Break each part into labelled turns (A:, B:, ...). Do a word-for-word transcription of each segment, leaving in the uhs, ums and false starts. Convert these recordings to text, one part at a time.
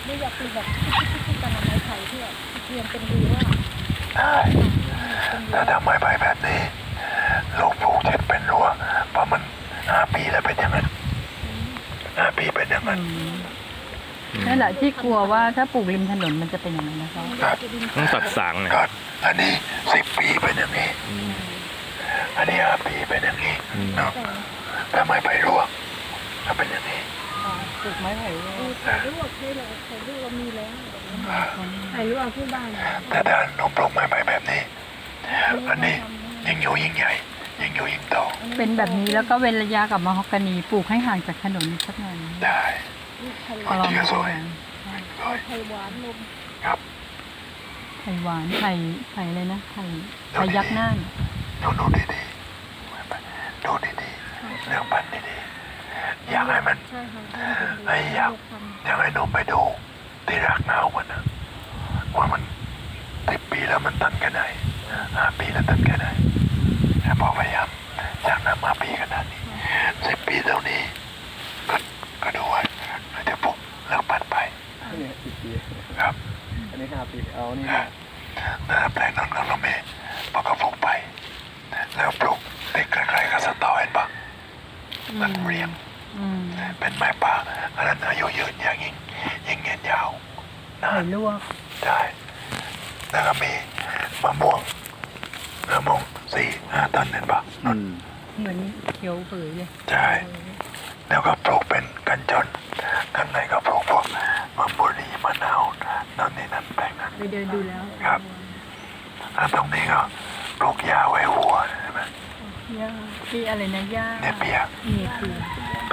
A: ไม่อยากปลูกแบบกันไม้ไผ่ที่แบบเรียนเป็นดีว่า
B: ได้แต่ทำไมไปแบบนี้ลูกปลูกเจ็ดเป็นรั้วเพราะมันห้าปีแล้วเป็นอย่างนั้นห้าปีเป็นอย่างนั้น
C: นั่นแหละที่กลัวว่าถ้าปลูกริมถนนมันจะเป็นอย่างนั้นนะคะ
D: ต้องตัดสางนะ
B: ครับอันนี้สิบปีเป็นอย่างนี้อันนี้ห้าปีเป็นอย่างนี้เนาะทำไมไปรั้วถ้าเป็นอย่างนี้
C: ปลูกไม้ไผ่
A: ถ่ายรูปให้เราถ่ายรูปเรามีแล้วถ่ายรูปเอาที่บ้าน
B: แต่ถ้าหนูปลูกไม้ไปแบบนี้อันนี้ยิ่งอยู่ยิ่งใหญ่ยิ่งอยู่ยิ่งโต
C: เป็นแบบนี้แล้วก็เว้นระยะกับมะฮอกกานีปลูกให้ห่างจากถนนสักหน่อย
B: ได้
C: ก็ลองดู
B: สวย
A: ไผ่หวานลม
B: ครับ
C: ไผ่หวานไผ่ไผ่อะไรนะไผ่ไผ่ยักษ์น่าน
B: ดูดูดีๆดูดีๆเรื่องปันดีๆอยากให้มันไอ้อยากอยากให้หนูไปดูที่รากเงามันนะว่ามันสิบปีแล้วมันตันแค่ไหนห้าปีแล้วตันแค่ไหนพอพยายามจากนั้นมาปีขนาดนี้สิบปีเท่านี้ก็ก็ดูไว้เราจะปลุกเลิกปันไป
E: นี่สิบปี
B: ครับ
E: อันนี้ห้าปีเอานี่
B: นะแปลงนั้นเราไม่พอก็ปลูกไปแล้วปลูกติดใกล้ๆกับสตอเห็นปะมันเรียงเป็นไม้ป่าอันนั้นอายุยืนอย่างยิ่งยิ่งเงี้ยยาวนาน
C: ลวก
B: ใช่แล้วก็มีมะม่วงมะม่วงสี่ห้าต้นเห็นปะ
C: เหมือนเขียวเผยเลย
B: ใช่แล้วก็ปลูกเป็นกันจนข้างในก็ปลูกพวกมะบุรีมะนาวนั่นนี่นั่นแปลงนั้น
C: ไปเดินดูแล้ว
B: ครับแล้วตรงนี้ก็ปลูกหญ้าไว้วัวใช่ไหม
C: หญ้าที่อะไรนะหญ้า
B: เนี่ยเปียก
C: เนี่ยเปียก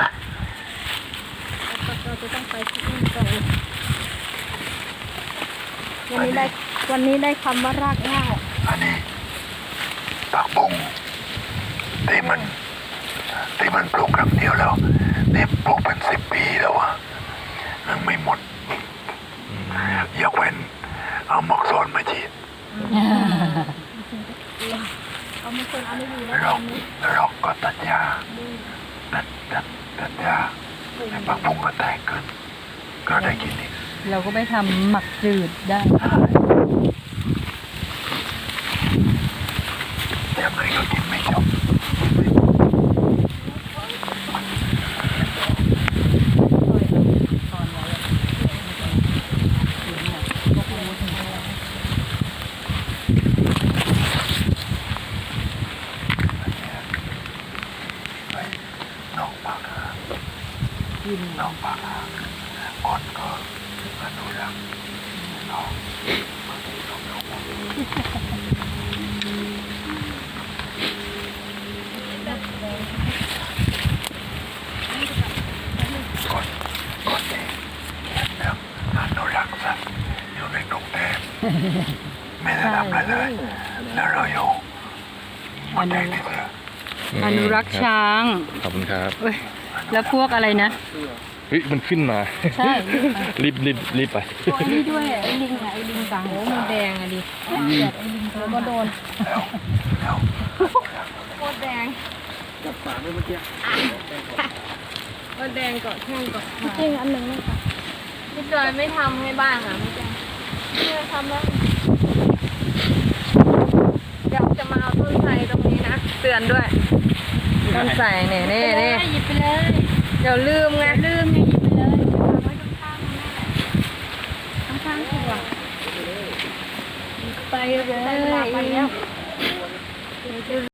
A: เราจะต้องไปที่นี่ก่อนวันนี้ได้วันนี้ได้คำว่ารากเหง้า
B: อันนี้ผักบุ้งที่มันที่มันปลูกครั้งเดียวแล้วนี่ปลูกเป็นสิบปีแล้วอะยังไม่หมดยกเว้นเอาหมอกโซนมาฉีด
A: เอามาคนเอาไม่ดีแล้ว
B: รอกรอกก็ตัดหญ้าตัดตัดตัดหญ้าให้ผักบุ้งก็แตกขึ้นก็ได้กินอีก
C: เราก็ไม่ทำหมักจืดได้
B: ยังไงก็กินไม่จบน้องปากกินน้องปากคนก็อนุรักษ์น้องบางทีน้องน้องคนคนนี้เรื่องอนุรักษ์สัตว์อยู่ในกรุงเทพไม่ได้ทำอะไรเลยแล้วเราอยู่มันแดงที่เสือ
C: อนุรักษ์ช้าง
D: ขอบคุณครับ
C: แล้วพวกอะไรนะ
D: เฮ้ยมันขึ้นมา
C: ใช่
D: รีบรีบรีบไป
C: ไอ้นี่ด้วยไอ้ลิงไอ้ลิงกังโอ้มันแดงอะดิแบบไอ้ลิงแล้วก็โดน
A: โคตรแดง
E: จับฝาเมื่อกี้
A: ก็แดงเกาะแข้งเกาะขาจริงอันหนึ่งนะคะพี่จอยไม่ทำให้บ้างอ่ะพี่จอยไม่ทำแล้วเดี๋ยวจะมาเอาต้นไทรตรงนี้นะเตือนด้วยต้นไทรเนี่ยนี่นี่หยิบไปเลยเดี๋ยวลืมไงลืมไงหยิบไปเลยไว้ข้างๆนั่นแหละข้างๆถูกอ่ะไปเลยไปแล้ว